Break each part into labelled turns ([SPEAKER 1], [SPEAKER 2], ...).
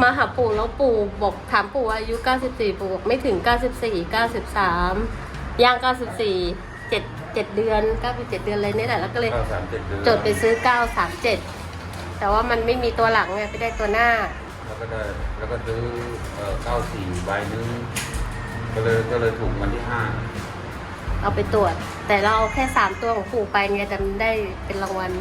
[SPEAKER 1] มาหาปู่แล้วปู่บอกถามปู่ว่าอายุ94ปู่บอกไม่ถึง94 93ย่าง94 7เดือน97เดือนเลยนี่แหละแล้วก็เลย
[SPEAKER 2] 937 เดือน
[SPEAKER 1] จดไปซื้อ937แต่ว่ามันไม่มีตัวหลังไงไปได้ตัวหน้า
[SPEAKER 2] แล้วก็ซื้อ94 ใบนึงก็เลยถูกวันที่
[SPEAKER 1] เอาไปตรวจ แต่เราเอาแค่3ตัวของปู่ไปไงแต่มันได้เป็นรางวัล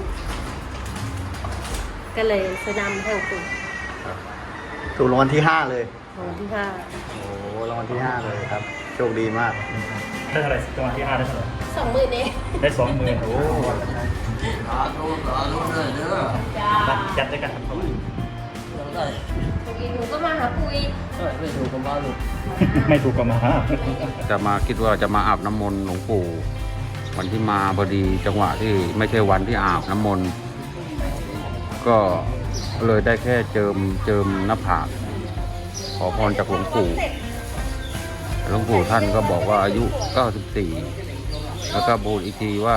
[SPEAKER 1] ก็เลยซื้อนำให้ของปู่
[SPEAKER 3] ถูกรางวัลที่ 5 เลย
[SPEAKER 1] รางวัลที่5
[SPEAKER 3] โอ้รางวัลที่ 5 เลยครับ โชคดีมาก
[SPEAKER 4] ได้เท่าไหร่จังหวะที่5ได้เท่าไหร่
[SPEAKER 1] 20,000เอง
[SPEAKER 4] ได้20,000โอ้
[SPEAKER 2] 5เลยเด้อ
[SPEAKER 1] จ้า
[SPEAKER 4] ยัดได้กันเท่าไหร่
[SPEAKER 1] เมื่อกี้หนูก็มาหาปู่อีก
[SPEAKER 4] ไม่ถูกกับมา
[SPEAKER 2] จะมาคิดว่าจะมาอาบน้ำมนต์หลวงปู่ วันที่มาพอดีจังหวะที่ไม่ใช่วันที่อาบน้ำมนต์ก็เลยได้แค่เจิมหน้าผากขอพรจากหลวงปู่หลวงปู่ท่านก็บอกว่าอายุ 94 แล้วก็บูชอีกทีว่า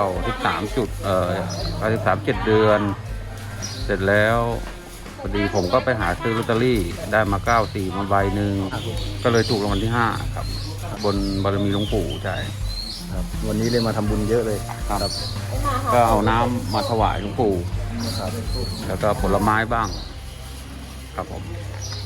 [SPEAKER 2] 93 7 เดือน เสร็จแล้วพอดีผมก็ไปหาซื้อลอตเตอรี่ได้มา94มาใบหนึ่งก็เลยถูกรางวัลที่ 5 ครับ บนบารมีหลวงปู่ใช่
[SPEAKER 3] ครับ วันนี้เลยมาทำบุญเยอะเลย
[SPEAKER 2] ครับ ก็เอาน้ำมาถวายหลวงปู่
[SPEAKER 3] ครับ
[SPEAKER 2] แล้วก็ผลไม้บ้าง ครับผม
[SPEAKER 3] ค